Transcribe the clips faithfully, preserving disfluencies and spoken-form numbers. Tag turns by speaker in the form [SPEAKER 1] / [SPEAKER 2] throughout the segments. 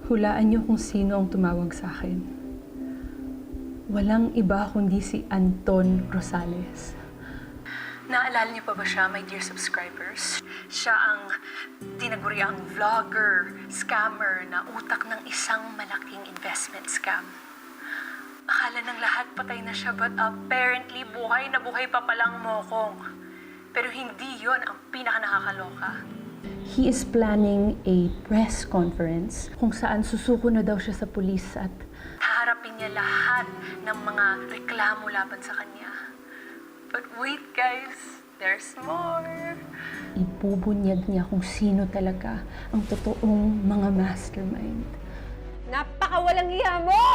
[SPEAKER 1] Hulaan niyo kung sino ang tumawag sa akin. Walang iba kundi si Anton Rosales. Naalala niyo pa ba siya, my dear subscribers? Siya ang tinaguriang vlogger, scammer na utak ng isang malaking investment scam. Akala ng lahat patay na siya, but apparently buhay na buhay pa palang Mokong. Pero hindi yon ang pinaka-nakakaloka. He is planning a press conference kung saan susuko na daw siya sa pulis at haharapin niya lahat ng mga reklamo laban sa kanya. But wait guys, there's more. Ibubunyag niya kung sino talaga ang totoong mga mastermind.
[SPEAKER 2] Napakawalang iya mo!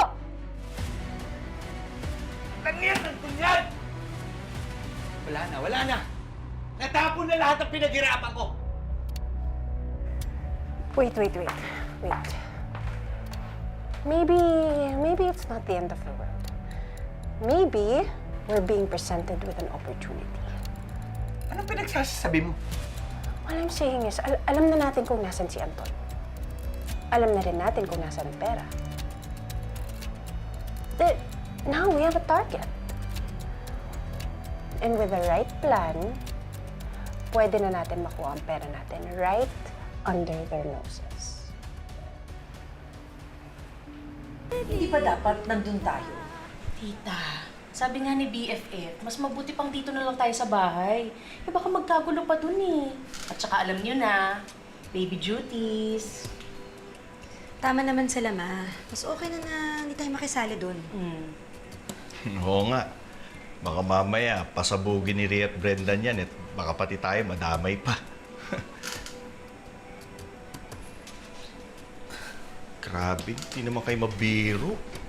[SPEAKER 3] Langyan ang tunyan! Wala na, wala na! Natapon na lahat ng pinaghirapan ko!
[SPEAKER 2] Wait, wait, wait. Wait. Maybe, maybe it's not the end of the world. Maybe we're being presented with an opportunity.
[SPEAKER 3] Anong pinagsasabi mo?
[SPEAKER 2] What I'm saying is, al- alam na natin kung nasan si Anton. Alam na rin natin kung nasan ang pera. That now we have a target. And with the right plan, pwede na natin makuha ang pera natin right under their noses.
[SPEAKER 4] Hindi ba dapat nandun tayo? Tita, sabi nga ni B F F, mas mabuti pang dito na lang tayo sa bahay. Eh baka magkagulo pa dun eh. At saka alam niyo na, baby duties.
[SPEAKER 5] Tama naman sila, Ma. Mas okay na na hindi tayo makisali dun.
[SPEAKER 4] Hmm.
[SPEAKER 6] Oo nga. Baka mamaya, pasabugin ni Rhea at Brendan yan at baka pati tayo madamay pa. Grabe, hindi naman kayo mabiro.